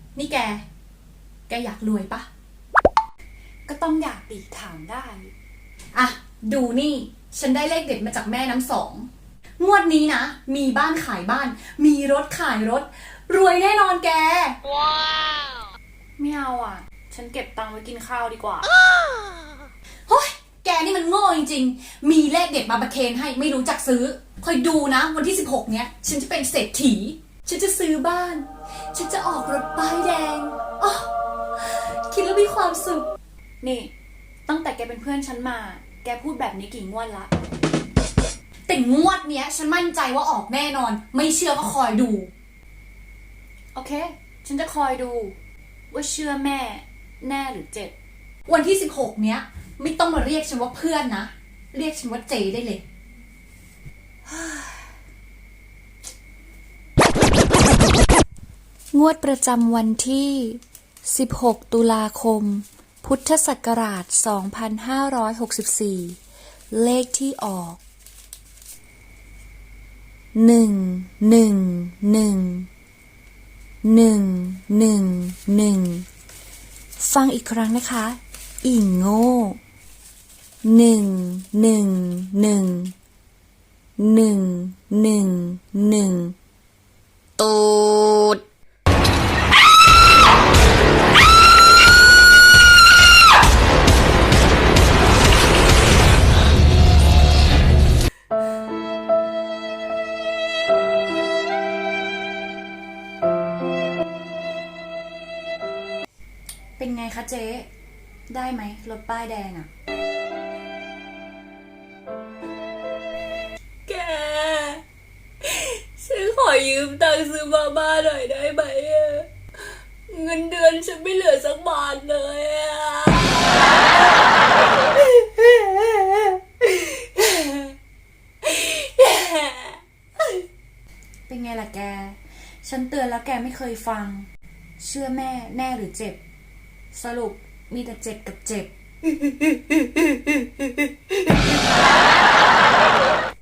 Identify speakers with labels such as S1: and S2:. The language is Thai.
S1: นี่แกอยากรวยปะ
S2: ก็ต้องอยากดิถามได้
S1: อ่ะดูนี่ฉันได้เลขเด็ดมาจากแม่น้ำสองงวดนี้นะมีบ้านขายบ้านมีรถขายรถรวยแน่นอนแก
S2: ว้าวไม่เอาอ่ะฉันเก็บตังค์ไว้กินข้าวดีกว่า
S1: เฮ้ยแกนี่มันโง่จริงๆมีเลขเด็ดมาประเคนให้ไม่รู้จักซื้อคอยดูนะวันที่16เนี้ยฉันจะเป็นเศรษฐีฉันจะซื้อบ้านฉันจะออกรถป้ายแดงอ๋อคิดแล้วมีความสุข
S2: นี่ตั้งแต่แกเป็นเพื่อนฉันมาแกพูดแบบนี้กี่งวดละ
S1: แต่งวดเนี้ยฉันมั่นใจว่าออกแน่นอนไม่เชื่อก็คอยดู
S2: โอเคฉันจะคอยดูว่าเชื่อแม่แน่หรือเจ็บ
S1: วันที่16เนี้ยไม่ต้องมาเรียกฉันว่าเพื่อนนะเรียกฉันว่าเจได้เลย
S3: งวดประจำวันที่16ตุลาคมพุทธศักราช2564เลขที่ออก11111ฟังอีกครั้งนะคะอีโง่11111ตูด
S1: เป็นไงคะเจ๊ได้ไหมรถป้ายแดงอะ
S4: แกฉันขอยืมตังค์ซื้อมาม่าหน่อยได้ไหมอะเงินเดือนฉันไม่เหลือสักบาทเลยอะ
S1: เป็นไงล่ะแกฉันเตือนแล้วแกไม่เคยฟังเชื่อแม่แน่หรือเจ็บสรุปมีแต่เจ็บกับเจ็บ